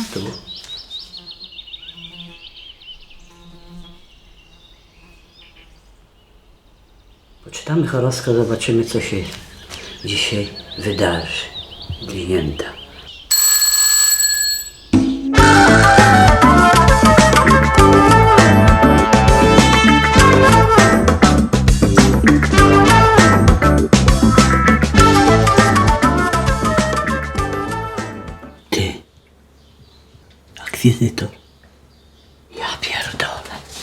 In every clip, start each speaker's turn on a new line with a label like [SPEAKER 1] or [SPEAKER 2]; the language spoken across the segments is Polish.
[SPEAKER 1] stół. Poczytamy horoskop, zobaczymy, co się dzisiaj wydarzy. Glinięta. Ty. Akwizytor. Ja pierdolę.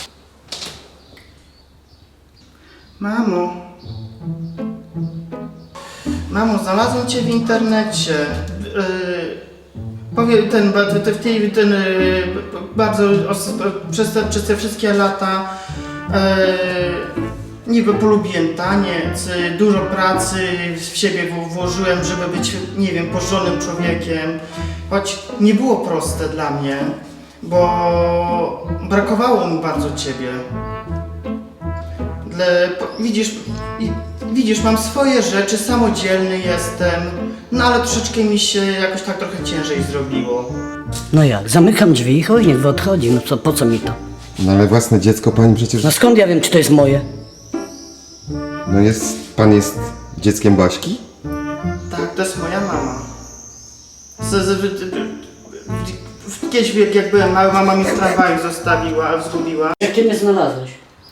[SPEAKER 2] Mamo, znalazłem cię w internecie. Powiem przez te wszystkie lata niby polubiłem taniec, dużo pracy w siebie włożyłem, żeby być, nie wiem, porządnym człowiekiem. Choć nie było proste dla mnie, bo brakowało mi bardzo ciebie. Widzisz, mam swoje rzeczy, samodzielny jestem, no ale troszeczkę mi się jakoś tak trochę ciężej zrobiło.
[SPEAKER 1] No jak? Zamykam drzwi i chuj, niech odchodzi. No co, po co mi to?
[SPEAKER 3] No ale własne dziecko pani przecież...
[SPEAKER 1] No skąd ja wiem, czy to jest moje?
[SPEAKER 3] No pan jest dzieckiem Baśki?
[SPEAKER 2] Tak, to jest moja mama. Kiedyś jak byłem mały, mama mi w tramwaju zgubiła.
[SPEAKER 1] Jak ty mnie znalazłeś?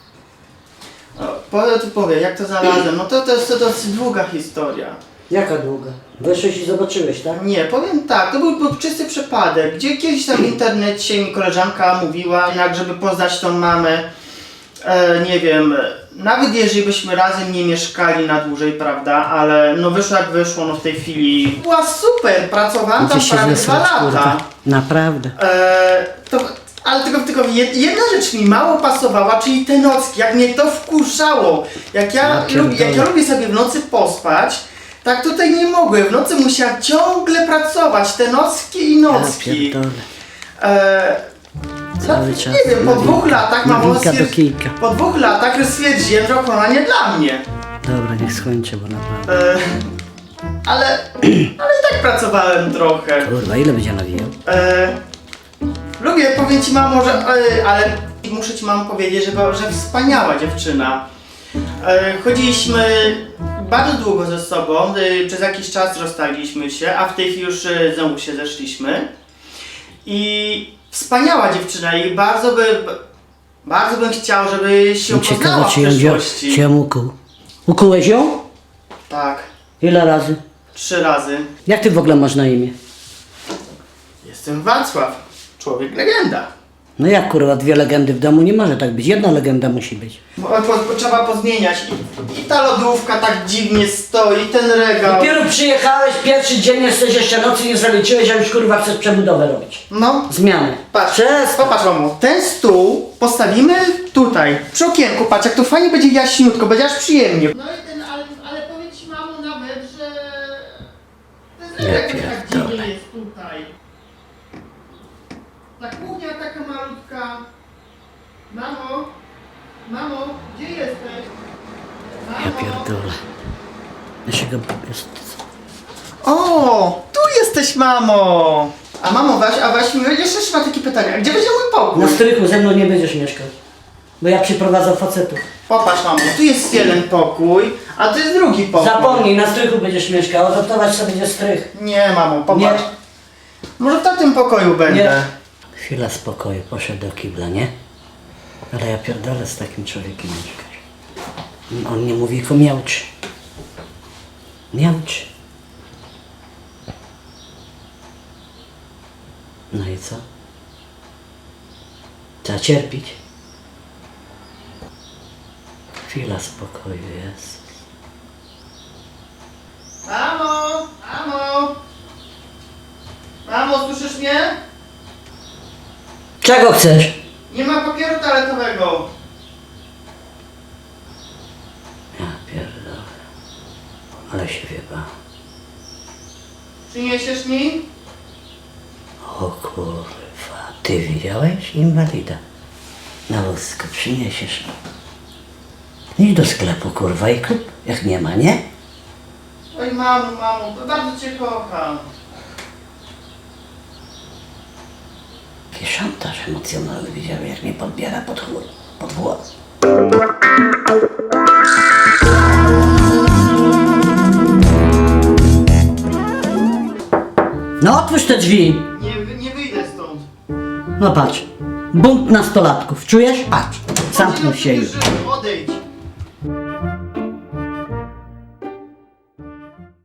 [SPEAKER 2] Powiem, jak to znalazłem, no to jest dosyć długa historia.
[SPEAKER 1] Jaka długa? Weszłeś i zobaczyłeś, tak?
[SPEAKER 2] Nie, powiem tak, to był czysty przypadek, gdzie kiedyś tam w internecie mi koleżanka mówiła, jak żeby poznać tą mamę, nie wiem, nawet jeżeli byśmy razem nie mieszkali na dłużej, prawda, ale no wyszło jak wyszło, no w tej chwili była super, pracowałam tam prawie 2 lata.
[SPEAKER 1] Naprawdę.
[SPEAKER 2] Ale tylko jedna rzecz mi mało pasowała, czyli te nocki, jak mnie to wkurzało. Jak ja lubię sobie w nocy pospać, tak tutaj nie mogłem. W nocy musiałam ciągle pracować, te nocki i nocki.
[SPEAKER 1] Ja
[SPEAKER 2] No, nie wiem, po 2 latach po 2 latach stwierdziłem, że ona nie dla mnie.
[SPEAKER 1] Dobra, niech skończę, bo naprawdę.
[SPEAKER 2] Ale i tak pracowałem trochę.
[SPEAKER 1] Kurwa, ile będzie nawijał?
[SPEAKER 2] Lubię, powiem ci mamo, ale muszę ci mamo powiedzieć, że wspaniała dziewczyna. Chodziliśmy bardzo długo ze sobą, przez jakiś czas rozstaliśmy się, a w tej chwili już znowu się zeszliśmy. I wspaniała dziewczyna i bardzo bym chciał, żeby się poznała w przyszłości.
[SPEAKER 1] Czy ją ukuł? Ukułeś ją?
[SPEAKER 2] Tak,
[SPEAKER 1] Ile razy?
[SPEAKER 2] 3 razy.
[SPEAKER 1] Jak ty w ogóle masz na imię?
[SPEAKER 2] Jestem Wacław, człowiek legenda.
[SPEAKER 1] No jak kurwa, 2 legendy w domu nie może tak być, 1 legenda musi być.
[SPEAKER 2] Trzeba pozmieniać. I ta lodówka tak dziwnie stoi, ten regał.
[SPEAKER 1] Dopiero przyjechałeś, pierwszy dzień jesteś, jeszcze nocy nie zaliczyłeś, a już kurwa chcesz przebudowę robić.
[SPEAKER 2] No.
[SPEAKER 1] Zmiany.
[SPEAKER 2] Patrz, popatrz mamo, ten stół postawimy tutaj, przy okienku, patrz jak to fajnie będzie jaśniutko, będzie aż przyjemnie. No i ale powiedz ci mamo nawet, że ten regał tak dziwnie jest tutaj. Ta kuchnia taka malutka. Mamo, gdzie jesteś?
[SPEAKER 1] Ja pierdolę. Ja się go jest.
[SPEAKER 2] O, tu jesteś mamo! A mamo, Waś, jeszcze mam takie pytanie, a gdzie będzie mój pokój?
[SPEAKER 1] Na strychu ze mną nie będziesz mieszkał. Bo ja przyprowadzam facetów.
[SPEAKER 2] Popatrz mamo, tu jest jeden pokój, a tu jest drugi pokój.
[SPEAKER 1] Zapomnij, na strychu będziesz mieszkał, adaptować sobie będzie strych.
[SPEAKER 2] Nie mamo, popatrz.
[SPEAKER 1] Nie.
[SPEAKER 2] Może w tym pokoju będę.
[SPEAKER 1] Nie. Chwila spokoju, poszedł do kibla, nie? Ale ja pierdolę z takim człowiekiem mieszkać. On nie mówi, tylko miałczy. Miałczy. No i co? Trzeba cierpieć. Chwila spokoju jest.
[SPEAKER 2] Mamo, słyszysz mnie?
[SPEAKER 1] Czego chcesz?
[SPEAKER 2] Nie ma papieru toaletowego.
[SPEAKER 1] Ja pierdolę. Ale się wieba.
[SPEAKER 2] Przyniesiesz mi?
[SPEAKER 1] O kurwa, ty widziałeś? Inwalida. Na wózku przyniesiesz. Idź do sklepu, kurwa, i kup. Jak nie ma, nie?
[SPEAKER 2] Oj mamo, bardzo cię kocham.
[SPEAKER 1] szantaż emocjonalny, widziałem jak mnie podbiera pod włos. No otwórz te drzwi.
[SPEAKER 2] Nie wyjdę stąd.
[SPEAKER 1] No patrz, bunt nastolatków, czujesz? Patrz, zamknął się już.
[SPEAKER 2] Odejdź.